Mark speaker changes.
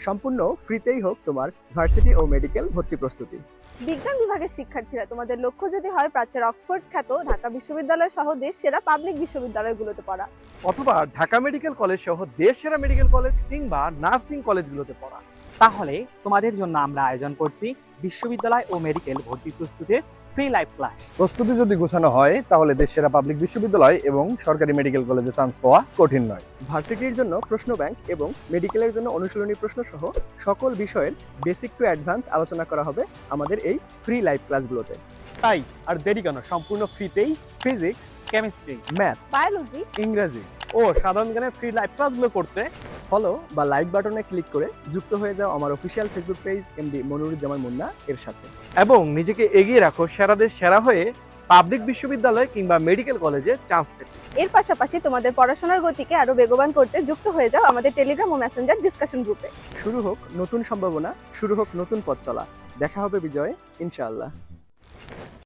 Speaker 1: সম্পূর্ণ ফ্রিতেই হোক তোমার ভার্সিটি ও মেডিকেল ভর্তি প্রস্তুতি।
Speaker 2: বিজ্ঞান বিভাগের শিক্ষার্থীরা তোমাদের লক্ষ্য যদি হয় প্রাচ্যের অক্সফোর্ড খ্যাত ঢাকা বিশ্ববিদ্যালয় সহ দেশ সেরা পাবলিক বিশ্ববিদ্যালয়গুলোতে পড়া,
Speaker 3: অথবা ঢাকা মেডিকেল কলেজ সহ দেশ সেরা মেডিকেল কলেজ কিংবা নার্সিং কলেজগুলোতে পড়া,
Speaker 4: তাহলে তোমাদের জন্য আমরা আয়োজন করছি বিশ্ববিদ্যালয় ও মেডিকেল ভর্তি প্রস্তুতির ফ্রি লাইভ ক্লাস।
Speaker 5: প্রস্তুতি যদি গোছানো হয় তাহলে দেশের পাবলিক বিশ্ববিদ্যালয় এবং সরকারি মেডিকেল কলেজে চান্স পাওয়া কঠিন নয়।
Speaker 1: ভার্সিটির জন্য প্রশ্ন ব্যাংক এবং মেডিকেলের জন্য অনুশীলনী প্রশ্ন সহ সকল বিষয়ের বেসিক টু অ্যাডভান্স আলোচনা করা হবে আমাদের এই ফ্রি লাইভ ক্লাসগুলোতে।
Speaker 3: তাই আর দেরি কেন, সম্পূর্ণ ফ্রিতেই
Speaker 1: ফিজিক্স,
Speaker 4: কেমিস্ট্রি,
Speaker 1: ম্যাথ,
Speaker 2: বায়োলজি,
Speaker 1: ইংরেজি
Speaker 3: ও সাধারণ জ্ঞানের ফ্রি লাইভ ক্লাসগুলো করতে
Speaker 1: ফলো বা লাইক বাটনে ক্লিক করে যুক্ত হয়ে যাও আমার official Facebook page MD Moniruzzaman Munna এর সাথে।
Speaker 3: এবং নিজেকে এগিয়ে রাখো সেরাদের সেরা হয়ে পাবলিক বিশ্ববিদ্যালয় কিংবা মেডিকেল কলেজে চান্স পেতে।
Speaker 2: এর পাশাপাশি তোমাদের পড়াশোনার গতিকে আরো বেগবান করতে যুক্ত হয়ে যাও আমাদের টেলিগ্রাম ও মেসেঞ্জার ডিসকাশন গ্রুপে।
Speaker 1: শুরু হোক নতুন সম্ভাবনা, শুরু হোক নতুন পথ চলা। দেখা হবে বিজয়ে, ইনশাআল্লাহ।